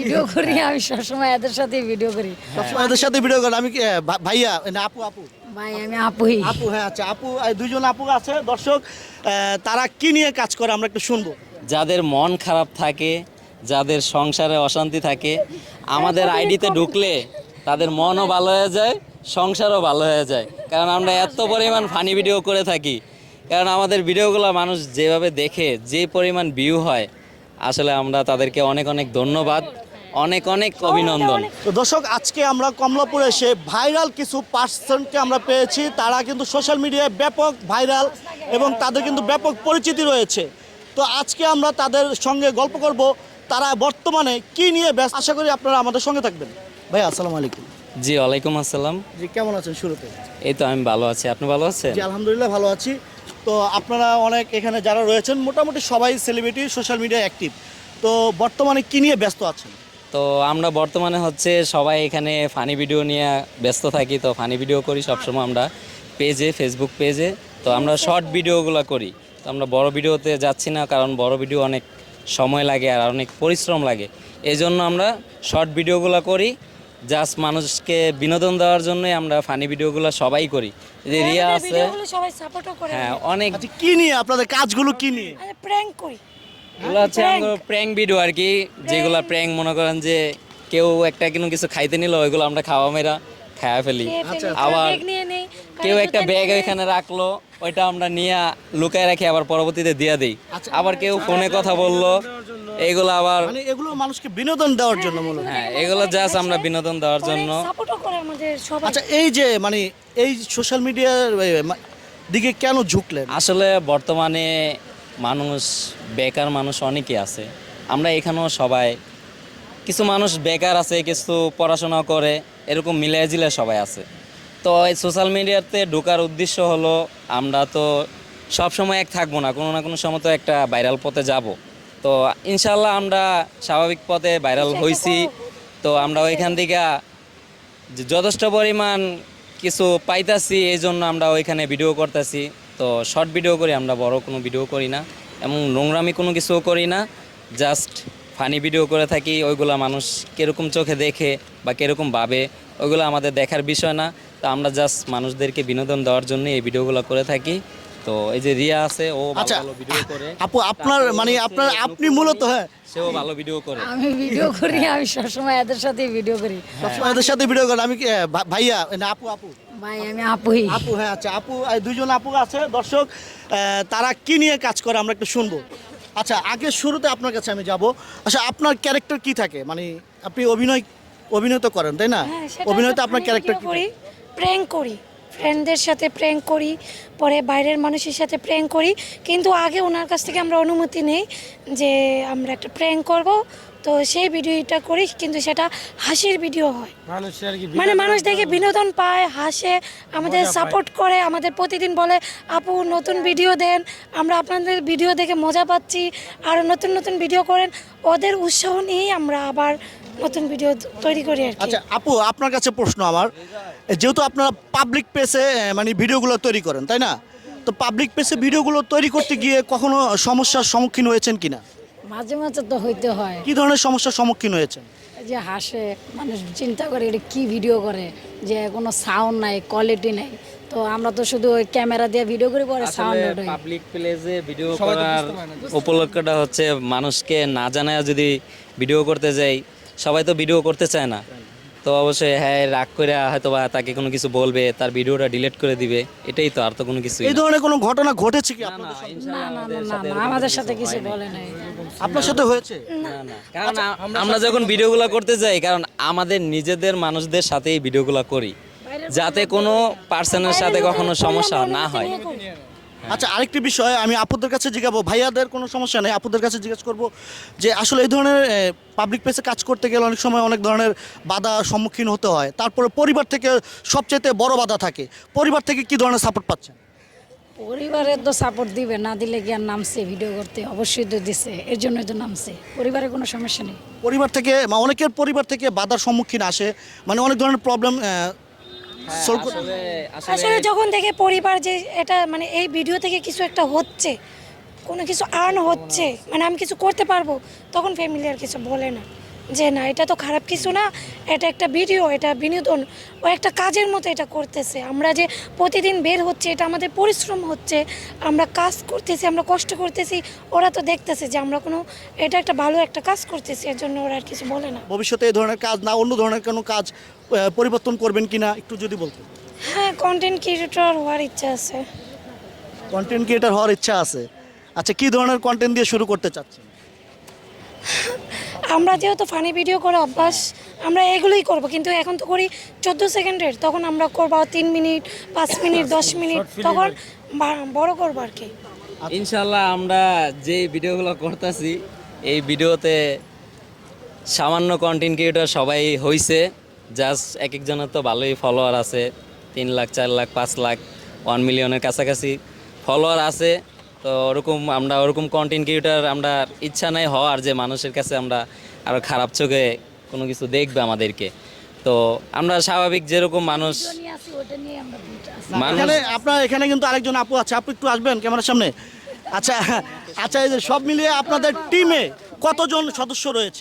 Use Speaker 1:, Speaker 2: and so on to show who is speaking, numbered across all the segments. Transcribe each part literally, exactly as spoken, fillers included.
Speaker 1: Video করি আমি সবসময় এদের সাথে ভিডিও করি
Speaker 2: সবসময় এদের সাথে ভিডিও করেন। আমি কি, আহ, ভা- ভাইয়া না আপু আপু
Speaker 1: ভাই আমি আপুই
Speaker 2: আপু হ্যাঁ আচ্ছা আপু, এই দুইজন আপু আছে দর্শক, আহ, তারা কি নিয়ে কাজ করে আমরা একটু শুনবো।
Speaker 3: যাদের মন খারাপ থাকে, যাদের সংসারে অশান্তি থাকে, আমাদের আইডিতে ঢুকলে তাদের মনও ভালো হয়ে যায়, সংসারও ভালো হয়ে যায়। কারণ আমরা এত পরিমাণ ফানি ভিডিও করে থাকি, কারণ আমাদের ভিডিওগুলো মানুষ যেভাবে দেখে, যে পরিমাণ ভিউ হয়, আসলে আমরা তাদেরকে অনেক অনেক ধন্যবাদ, অনেক অনেক অভিনন্দন।
Speaker 2: তো দর্শক, আজকে আমরা কমলাপুরে এসে ভাইরাল কিছু পার্সনকে আমরা পেয়েছি। তারা কিন্তু সোশ্যাল মিডিয়ায় ব্যাপক ভাইরাল এবং তাদের কিন্তু ব্যাপক পরিচিতি রয়েছে। তো আজকে আমরা তাদের সঙ্গে গল্প করব, তারা বর্তমানে কি নিয়ে ব্যস্ত। আশা করি আপনারা আমাদের সঙ্গে থাকবেন। ভাই আসসালামু আলাইকুম।
Speaker 3: জি ওয়ালাইকুম আসসালাম।
Speaker 2: জি কেমন আছেন শুরুতে?
Speaker 3: এই তো আমি ভালো আছি, আপনি ভালো আছেন?
Speaker 2: জি আলহামদুলিল্লাহ ভালো আছি। তো আপনারা অনেক এখানে যারা রয়েছেন মোটামুটি সবাই সেলিব্রিটি, সোশ্যাল মিডিয়া অ্যাক্টিভ। তো বর্তমানে কি নিয়ে ব্যস্ত আছেন?
Speaker 3: তো আমরা বর্তমানে হচ্ছে সবাই এখানে ফানি ভিডিও নিয়ে ব্যস্ত থাকি। তো ফানি ভিডিও করি সবসময় আমরা পেজে, ফেসবুক পেজে। তো আমরা শর্ট ভিডিওগুলো করি। তো আমরা বড় ভিডিওতে যাচ্ছি না, কারণ বড় ভিডিও অনেক সময় লাগে আর অনেক পরিশ্রম লাগে। এই জন্য আমরা শর্ট ভিডিওগুলো করি, জাস্ট মানুষকে বিনোদন দেওয়ার জন্যই আমরা ফানি ভিডিওগুলো সবাই করি। এই যে রিয়া আছে,
Speaker 1: ভিডিওগুলো সবাই সাপোর্টও করে
Speaker 3: হ্যাঁ অনেক,
Speaker 2: আচ্ছা কি নিয়ে আপনাদের কাজগুলো কি নিয়ে?
Speaker 1: আরে প্র্যাঙ্ক করি
Speaker 3: এগুলো হচ্ছে আমাদের প্র্যাঙ্ক ভিডিও আর কি, যেগুলো প্র্যাঙ্ক মনে করেন যে কেউ একটা কোনো কিছু খাইতে নিল, ওইগুলো আমরা খাওয়া মেরা খাওয়া ফেলি। আবার কেউ একটা ব্যাগ ওইখানে রাখলো, ওইটা আমরা নিয়ে লুকায় রাখি, আবার পরবর্তীতে দিয়ে দিই। আবার কেউ ফোনে কথা বললো, এইগুলো আবার,
Speaker 2: মানে এগুলো মানুষকে বিনোদন দেওয়ার জন্য মূলত।
Speaker 3: হ্যাঁ এগুলো জাস্ট আমরা বিনোদন দেওয়ার জন্য।
Speaker 1: সাপোর্টও করে আমাদের সবাই।
Speaker 2: আচ্ছা এই যে মানে এই সোশ্যাল মিডিয়ার দিকে কেন ঝুঁকলেন?
Speaker 3: আসলে বর্তমানে মানুষ বেকার, মানুষ অনেকেই আছে। আমরা এখানেও সবাই, কিছু মানুষ বেকার আছে, কিছু পড়াশোনা করে, এরকম মিলিয়ে জিলে সবাই আছে। তো এই সোশ্যাল মিডিয়াতে ঢোকার উদ্দেশ্য হলো, আমরা তো সব সময় এক থাকবো না, কোনো না কোনো সময় তো একটা ভাইরাল পথে যাব। তো ইনশাল্লাহ আমরা স্বাভাবিক পথে ভাইরাল হয়েছি। তো আমরা ওইখান থেকে যে যথেষ্ট পরিমাণ কিছু পাইতাছি, এই জন্য আমরা ওইখানে ভিডিও করতেছি। তো শর্ট ভিডিও করি আমরা, বড় কোনো ভিডিও করি না, এমন নোংরামি কোনো কিছুও করি না, জাস্ট ফানি ভিডিও করে থাকি। ওইগুলো মানুষ কীরকম চোখে দেখে বা কীরকম ভাবে, ওইগুলো আমাদের দেখার বিষয় না। তো আমরা জাস্ট মানুষদেরকে বিনোদন দেওয়ার জন্য এই ভিডিওগুলো করে থাকি। তো এই যে রিয়া আছে, ও ভালো ভালো ভিডিও করে।
Speaker 2: আপু আপনার মানে আপনার আপনি মূলত, হ্যাঁ
Speaker 3: সেও ভালো ভিডিও করে।
Speaker 1: আমি ভিডিও করি আমি সবসময় এদের সাথে ভিডিও করি
Speaker 2: সবসময় এদের সাথে ভিডিও করেন। আমি কি, আহ, ভা- ভাইয়া না আপু আপু
Speaker 1: ভাই আমি আপুই
Speaker 2: আপু হ্যাঁ আচ্ছা আপু, এই দুইজন আপু আছে দর্শক, আহ, তারা কি নিয়ে কাজ করে আমরা একটু শুনবো। আচ্ছা আগে শুরুতে আপনার কাছে আমি যাব। আচ্ছা আপনার ক্যারেক্টার কি থাকে? মানে আপনি অভিনয় অভিনয় তো করেন তাই না?
Speaker 1: হ্যাঁ, সেটা
Speaker 2: অভিনয়তে
Speaker 1: তো
Speaker 2: আপনার
Speaker 1: আমি
Speaker 2: ক্যারেক্টার
Speaker 1: ভিডিও
Speaker 2: কি
Speaker 1: করি,
Speaker 2: থাকে?
Speaker 1: প্র্যাঙ্ক করি, ফ্রেন্ডদের সাথে প্র্যাঙ্ক করি, পরে বাইরের মানুষের সাথে প্র্যাঙ্ক করি। কিন্তু আগে ওনার কাছ থেকে আমরা অনুমতি নেই যে আমরা একটা প্র্যাঙ্ক করব, তো সেই ভিডিওটা করি, কিন্তু সেটা হাসির ভিডিও হয়। মানে মানুষ দেখে বিনোদন পায়, হাসে, আমাদের সাপোর্ট করে, আমাদের প্রতিদিন বলে আপু নতুন ভিডিও দেন, আমরা আপনাদের ভিডিও দেখে মজা পাচ্ছি, আরও নতুন নতুন ভিডিও করেন। ওদের উৎসাহ নিয়েই আমরা আবার নতুন ভিডিও তৈরি করি আর কি।
Speaker 2: আচ্ছা আপু আপনার কাছে প্রশ্ন আমার, যেহেতু আপনারা পাবলিক পেজে মানে ভিডিওগুলো তৈরি করেন তাই না, তো পাবলিক পেজে ভিডিওগুলো তৈরি করতে গিয়ে কখনো সমস্যার সম্মুখীন হয়েছেন কিনা?
Speaker 1: মাঝে মাঝে তো হইতে হয়,
Speaker 2: কি ধরনের সমস্যার সম্মুখীন হয়েছেন?
Speaker 1: এই যে হাসে মানুষ, চিন্তা করে এটা কি ভিডিও করে, যে কোনো সাউন্ড নাই, কোয়ালিটি নাই। তো আমরা তো শুধু ওই ক্যামেরা দিয়ে ভিডিও করি, পরে সাউন্ড ওঠে।
Speaker 3: পাবলিক প্লেসে ভিডিও করার উপলক্ষটা হচ্ছে মানুষকে না জানায় যদি ভিডিও করতে যাই, সবাই তো ভিডিও করতে চায় না। তো অবশ্যই হ্যাঁ রাগ করে হয়তো বা তাকে কোনো কিছু বলবে, তার ভিডিওটা ডিলিট করে দিবে, এটাই তো, আর তো কোনো কিছুই
Speaker 2: এই
Speaker 3: না।
Speaker 2: ধরনের কোনো ঘটনা ঘটেছে কি আপনাদের
Speaker 3: না,
Speaker 2: সঙ্গে?
Speaker 3: ইনশাআল্লাহ
Speaker 1: না না
Speaker 3: আমাদের
Speaker 1: না
Speaker 3: সাথে
Speaker 1: না,
Speaker 3: এরকম
Speaker 1: আমাদের
Speaker 3: কিছু
Speaker 1: সাথে কিছু
Speaker 3: হয়নি।
Speaker 1: বলে নাই।
Speaker 2: আপনার সাথে হয়েছে?
Speaker 3: না না, কারণ আ- আমরা যখন ভিডিওগুলো করতে যাই, কারণ আমাদের নিজেদের মানুষদের সাথেই ভিডিওগুলো করি, যাতে কোনো পার্সনের সাথে কখনো সমস্যা না হয়।
Speaker 2: আচ্ছা আরেকটি বিষয় আমি আপুদের কাছে জিজ্ঞাবো, ভাইয়াদের কোনো সমস্যা নেই, আপুদের কাছে জিজ্ঞেস করবো যে আসলে এই ধরনের পাবলিক প্লেসে কাজ করতে গেলে অনেক সময় অনেক ধরনের বাধা সম্মুখীন হতে হয়, তারপরে পরিবার থেকে সবচেয়ে বড় বাধা থাকে, পরিবার থেকে কি ধরনের সাপোর্ট পাচ্ছেন?
Speaker 1: পরিবারের তো সাপোর্ট দিবে, না দিলে কি আর নামছে ভিডিও করতে? অবশ্যই তো দিছে, এর জন্যই তো নামছে। পরিবারের কোনো সমস্যা নেই।
Speaker 2: পরিবার থেকে বা অনেকের পরিবার থেকে বাধার সম্মুখীন আসে, মানে অনেক ধরনের প্রবলেম সলভ করতে।
Speaker 3: আসলে
Speaker 1: আসলে
Speaker 3: আসলে
Speaker 1: যখন দেখে পরিবার যে এটা মানে এই ভিডিও থেকে কিছু একটা হচ্ছে, কোনো কিছু আর্ন হচ্ছে, মানে আমি কিছু করতে পারবো, তখন ফ্যামিলি আর কিছু বলে না। যে না এটা তো খারাপ কিছু না, এটা একটা ভিডিও, এটা বিনোদন, ও একটা কাজের মতো এটা করতেছে। আমরা যে প্রতিদিন বের হচ্ছে, এটা আমাদের পরিশ্রম হচ্ছে, আমরা কাজ করতেছি, আমরা কষ্ট করতেছি, ওরা তো দেখতেছে যে আমরা কোনো এটা একটা ভালো একটা কাজ করতেছি, এর জন্য ওরা আর কিছু বলে না।
Speaker 2: ভবিষ্যতে এই ধরনের কাজ না অন্য ধরনের কোনো কাজ আহ, পরিবর্তন করবেন কিনা একটু যদি বলতেন।
Speaker 1: হ্যাঁ, কন্টেন্ট ক্রিয়েটর হওয়ার ইচ্ছা আছে।
Speaker 2: কন্টেন্ট ক্রিয়েটার হওয়ার ইচ্ছা আছে। আচ্ছা, কি ধরনের কন্টেন্ট দিয়ে শুরু করতে চাচ্ছেন?
Speaker 1: আমরা যেহেতু ফানি ভিডিও করে অভ্যাস, আমরা এগুলোই করব, কিন্তু এখন তো করি চোদ্দো সেকেন্ডের, তখন আমরা করবো তিন মিনিট, পাঁচ মিনিট, দশ মিনিট, তখন বা- বড় করবো আর কি।
Speaker 3: ইনশাল্লাহ আমরা যে ভিডিওগুলো করতেছি এই ভিডিওতে সামান্য কন্টেন্ট ক্রিয়েটর সবাই হইছে, জাস্ট এক একজনের তো ভালোই ফলোয়ার আছে, তিন লাখ চার লাখ পাঁচ লাখ ওয়ান মিলিয়নের কাছাকাছি ফলোয়ার আছে। তো ওরকম আমরা ওরকম কন্টেন্ট ক্রিয়েটর আমরা ইচ্ছা নাই হওয়ার যে মানুষের কাছে আমরা আরও খারাপ চোখে কোনো কিছু দেখবে আমাদেরকে। তো আমরা স্বাভাবিক যেরকম মানুষ মানুষ
Speaker 2: এখানে আপনার এখানে কিন্তু আরেকজন আপু আছে, আপু একটু আসবেন ক্যামেরার সামনে। আচ্ছা আচ্ছা, এই যে সব মিলিয়ে আপনাদের টিমে কতজন সদস্য রয়েছে?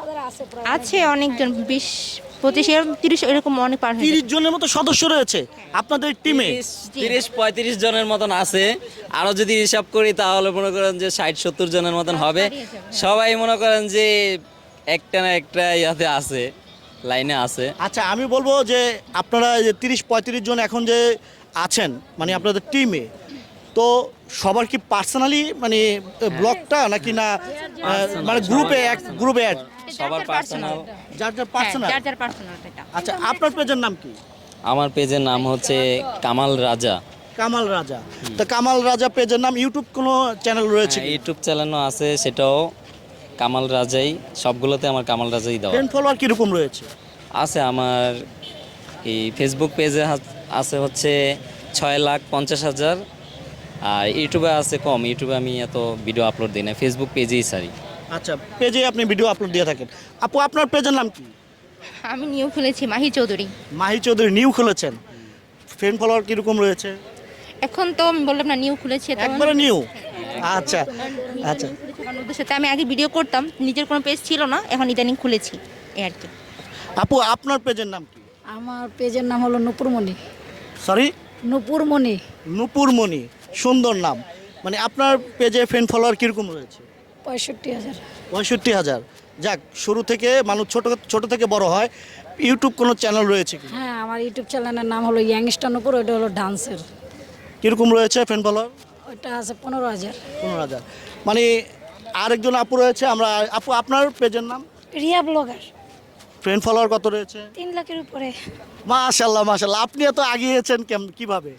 Speaker 4: আছে অনেকজন, বিশ পঁচিশ এরকম তিরিশ এরকম অনেক পার হয়ে
Speaker 2: তিরিশ জনের মতো সদস্য রয়েছে আপনাদের টিমে।
Speaker 3: তিরিশ পঁয়ত্রিশ জনের মতন আছে, আরও যদি হিসাব করি তাহলে মনে করেন যে ষাট সত্তর জনের মতন হবে। সবাই মনে করেন যে একটা না একটা ইয়াতে আছে, লাইনে আছে।
Speaker 2: আচ্ছা, আমি বলবো যে আপনারা এই যে তিরিশ পঁয়ত্রিশ জন এখন যে আছেন মানে আপনাদের টিমে, তো সবার কি পার্সোনালি মানে ব্লগটা নাকি না আহ, মানে গ্রুপে এক গ্রুপে অ্যাড
Speaker 3: সবার পার্সোনাল।
Speaker 2: যার যার
Speaker 4: হ্যাঁ,
Speaker 2: পার্সোনাল?
Speaker 4: যার যার পার্সোনাল এটা।
Speaker 2: আচ্ছা, আপনার পেজের নাম কি?
Speaker 3: আমার পেজের নাম হচ্ছে কামাল রাজা।
Speaker 2: কামাল রাজা। তো কামাল রাজা পেজের নাম, ইউটিউব কোনো চ্যানেল রয়েছে?
Speaker 3: হ্যাঁ, ইউটিউব চ্যানেলও আছে, সেটাও কামাল রাজাই, সবগুলোতে আমার কামাল রাজাই দেওয়া
Speaker 2: ফ্রেন্ড ফলোয়ার কীরকম রয়েছে?
Speaker 3: আছে। আমার এই ফেসবুক পেজে হাত- আছে হচ্ছে ছয় লাখ পঞ্চাশ হাজার, আর ইউটিউবে আছে কম, ইউটিউবে আমি এত ভিডিও আপলোড দিই না, ফেসবুক পেজেই সারি।
Speaker 2: আচ্ছা, পেজে আপনি ভিডিও আপলোড দিয়ে থাকেন। আপু, আপনার পেজের নাম কি?
Speaker 4: আমি নিউ খুলেছি মাহি চৌধুরী।
Speaker 2: মাহি চৌধুরী নিউ খুলেছেন। ফ্রেন্ড ফলোয়ার কীরকম রয়েছে?
Speaker 4: এখন তো আমি বললাম না নিউ খুলেছি, তো
Speaker 2: একবারে নিউ। আচ্ছা আচ্ছা
Speaker 4: আমার ওদের সাথে আমি আগে ভিডিও করতাম, নিজের কোনো পেজ ছিল না, এখন ইদানিং খুলেছি এই আর কি।
Speaker 2: আপু, আপনার পেজের নাম কি?
Speaker 5: আমার পেজের নাম হলো নূপুরমণি।
Speaker 2: সরি,
Speaker 5: নূপুরমণি।
Speaker 2: নূপুরমণি, সুন্দর নাম। মানে আপনার পেজে ফ্রেন্ড ফলোয়ার কীরকম রয়েছে?
Speaker 5: পঁয়ষট্টি হাজার।
Speaker 2: পঁয়ষট্টি হাজার। যাক, শুরু থেকে মানুষ ছোট ছোট থেকে বড় হয়। ইউটিউব কোনো চ্যানেল রয়েছে কি?
Speaker 5: হ্যাঁ, আমার ইউটিউব চ্যানেলের নাম হলো ইয়াংস্টার নূপুর, ওইটা হলো ডান্সের।
Speaker 2: কীরকম রয়েছে ফ্রেন্ড ফলোয়ার?
Speaker 5: ওইটা আছে পনেরো হাজার।
Speaker 2: পনেরো হাজার। মানে আরেকজন আপু রয়েছে, আমরা আপু আপনার পেজের নাম?
Speaker 1: রিয়া ব্লগার,
Speaker 2: ফ্রেন্ড ফলোয়ার কত রয়েছে?
Speaker 1: তিন লাখের উপরে।
Speaker 2: মাশাল্লাহ মাশাল্লাহ, আপনি এত আগিয়েছেন কেম কিভাবে?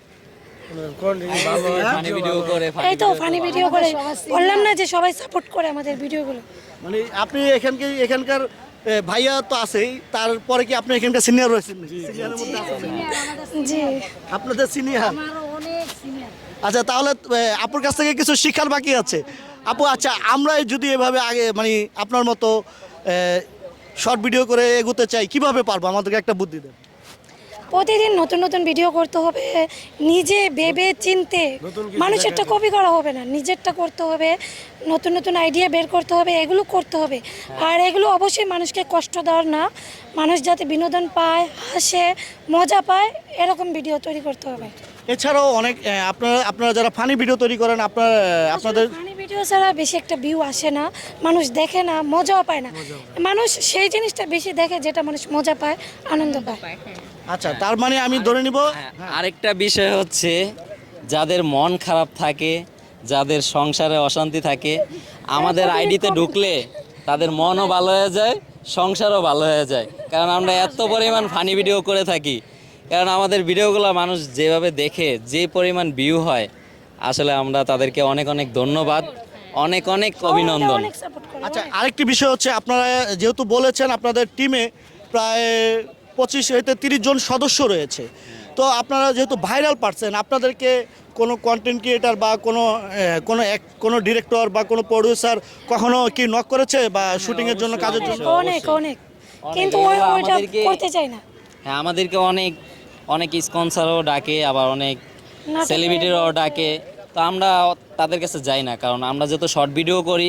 Speaker 3: ফানি ভিডিও করে
Speaker 1: এই তো ফানি ভিডিও করে, বললাম না যে সবাই সাপোর্ট করে আমাদের ভিডিওগুলো।
Speaker 2: মানে আপনি এখানকে এখানকার এ, ভাইয়া তো আছেই, তারপরে কি আপনি এখানকার সিনিয়র রয়েছেন? সিনিয়রের মধ্যে আছেন?
Speaker 1: জি,
Speaker 2: আপনাদের সিনিয়র।
Speaker 5: অনেক সিনিয়র।
Speaker 2: আচ্ছা, তাহলে এ, আপুর কাছ থেকে কিছু শিক্ষার বাকি আছে। আপু, আচ্ছা, আমরা যদি এভাবে আগে মানে আপনার মতো শর্ট ভিডিও করে এগোতে চাই, কিভাবে পারবো? আমাদেরকে একটা বুদ্ধি দেন।
Speaker 1: প্রতিদিন নতুন নতুন ভিডিও করতে হবে, নিজে ভেবে চিনতে, মানুষেরটা কপি করা হবে না, নিজেরটা করতে হবে, নতুন নতুন আইডিয়া বের করতে হবে, এগুলো করতে হবে। আর এগুলো অবশ্যই মানুষকে কষ্ট দেওয়ার না, মানুষ যাতে বিনোদন পায়, হাসে, মজা পায়, এরকম ভিডিও তৈরি করতে হবে।
Speaker 2: এছাড়াও অনেক এ, আপনারা আপনারা যারা ফানি ভিডিও তৈরি করেন, আপনার আপনাদের
Speaker 1: ফানি ভিডিও ছাড়া বেশি একটা ভিউ আসে না, মানুষ দেখে না, মজাও পায় না। মানুষ সেই জিনিসটা বেশি দেখে যেটা মানুষ মজা পায়, আনন্দ পায়।
Speaker 2: আচ্ছা, তার মানে আমি ধরে নিব
Speaker 3: আরেকটা বিষয় হচ্ছে, যাদের মন খারাপ থাকে, যাদের সংসারে অশান্তি থাকে, আমাদের আইডিতে ঢুকলে তাদের মনও ভালো হয়ে যায়, সংসারও ভালো হয়ে যায়। কারণ আমরা এত পরিমাণ ফানি ভিডিও করে থাকি, কারণ আমাদের ভিডিওগুলো মানুষ যেভাবে দেখে, যে পরিমাণ ভিউ হয়, আসলে আমরা তাদেরকে অনেক অনেক ধন্যবাদ, অনেক অনেক অভিনন্দন।
Speaker 1: অনেক সাপোর্ট করে।
Speaker 2: আচ্ছা, আরেকটি বিষয় হচ্ছে, আপনারা যেহেতু বলেছেন আপনাদের টিমে প্রায় পঁচিশ হইতে তিরিশ জন সদস্য রয়েছে, তো আপনারা যেহেতু ভাইরাল পারছেন, আপনাদেরকে কোনো কন্টেন্ট ক্রিয়েটার বা কোনো আহ, কোনো এক কোনো ডিরেক্টর বা কোনো প্রডিউসার কখনো কি নক করেছে বা শুটিংয়ের জন্য, কাজের জন্য?
Speaker 1: অনেক অনেক, কিন্তু ওই ওইটা
Speaker 3: আমাদেরকে-
Speaker 1: করতে চাই না।
Speaker 3: হ্যাঁ, আমাদেরকে অনেক অনেক স্পন্সরও ডাকে, আবার অনেক
Speaker 1: নাটকে-
Speaker 3: সেলিব্রিটিরাও ডাকে। তো আমরা তাদের কাছে যাই না, কারণ আমরা যেহেতু শর্ট ভিডিও করি,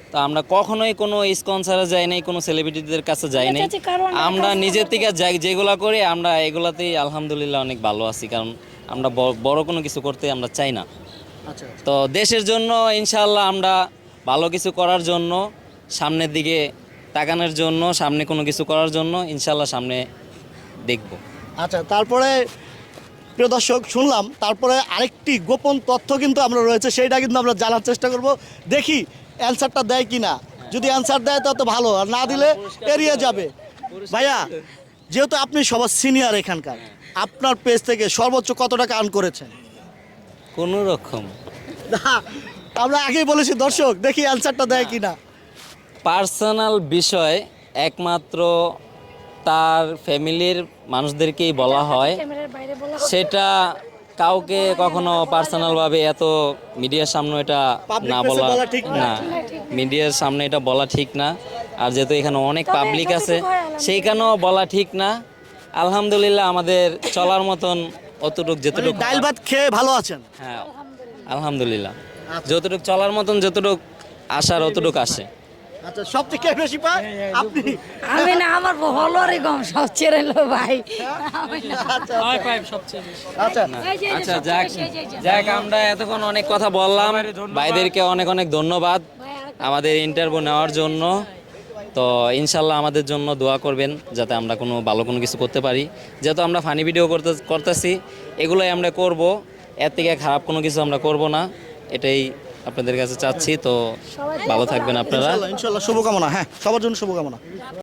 Speaker 3: তো আমরা কখনোই কোনো স্পন্সারে যাই নাই, কোনো সেলিব্রিটিদের কাছে যাই নাই।
Speaker 1: চাচি, কারো আমরা
Speaker 3: আমরা
Speaker 1: কাজ
Speaker 3: নিজের
Speaker 1: করতে
Speaker 3: থেকে যাই যেগুলো করি আমরা এগুলাতেই আলহামদুলিল্লাহ অনেক ভালো আছি, কারণ আমরা ব- বড় কোনো কিছু করতে আমরা চাই না।
Speaker 2: আচ্ছা
Speaker 3: তো দেশের জন্য ইনশাআল্লাহ আমরা ভালো কিছু করার জন্য, সামনের দিকে তাকানোর জন্য, সামনে কোনো কিছু করার জন্য ইনশাআল্লাহ সামনে দেখব।
Speaker 2: আচ্ছা তারপরে প্রিয় দর্শক শুনলাম, তারপরে আরেকটি গোপন তথ্য কিন্তু আমরা রয়েছে, সেইটা কিন্তু আমরা জানার চেষ্টা করব, দেখি অ্যান্সারটা দেয় কি না। যদি অ্যান্সার দেয় তত ভালো, আর না দিলে এড়িয়ে যাবে। ভাইয়া, যেহেতু আপনি সবার সিনিয়র এখানকার, আপনার পেজ থেকে সর্বোচ্চ কত টাকা আর্ন করেছেন?
Speaker 3: কোনো রকম
Speaker 2: না, আমরা আগেই বলেছি দর্শক, দেখি অ্যান্সারটা দেয় কি না।
Speaker 3: পার্সোনাল বিষয় একমাত্র তার ফ্যামিলির মানুষদেরকেই বলা হয়,
Speaker 1: ক্যামেরার বাইরে বলা
Speaker 3: সেটা কাউকে কখনো পার্সোনালভাবে এত মিডিয়ার সামনে এটা
Speaker 2: Public
Speaker 3: না
Speaker 2: place এ
Speaker 3: বলা
Speaker 2: বলা ঠিক না।
Speaker 3: না, মিডিয়ার সামনে এটা বলা ঠিক না। আর যেহেতু এখানে অনেক
Speaker 1: তবে
Speaker 3: পাবলিক আছে,
Speaker 1: যতটুকু হয় আলহামদুলিল্লাহ।
Speaker 3: সেইখানেও বলা ঠিক না। আলহামদুলিল্লাহ আমাদের চলার মতন অতটুক যেতটুক
Speaker 2: মানে ডাল ভাত খেয়ে ভালো আছেন?
Speaker 3: হ্যাঁ আলহামদুলিল্লাহ, যতটুক চলার মতন যতটুক আসার অতটুক আসে।
Speaker 2: আচ্ছা, সব থেকে বেশি পায় আপনি?
Speaker 5: আমি না, আমার ফলোয়ারই কম, সব ছেড়ে লো ভাই।
Speaker 2: আচ্ছা আচ্ছা
Speaker 3: আচ্ছা যাক যাক আমরা এতক্ষণ অনেক কথা বললাম, ভাইদেরকে অনেক অনেক ধন্যবাদ আমাদের ইন্টারভিউ নেওয়ার জন্য। তো ইনশাল্লাহ আমাদের জন্য দোয়া করবেন যাতে আমরা কোনো ভালো কোনো কিছু করতে পারি। যেহেতু আমরা ফানি ভিডিও করতে করতেছি, এগুলোই আমরা করব, এর থেকে খারাপ কোনো কিছু আমরা করব না, এটাই আপনাদের কাছে চাচ্ছি। তো ভালো থাকবেন আপনারা।
Speaker 2: ইনশাল্লাহ ইনশাল্লাহ, শুভকামনা। হ্যাঁ, সবার জন্য শুভকামনা।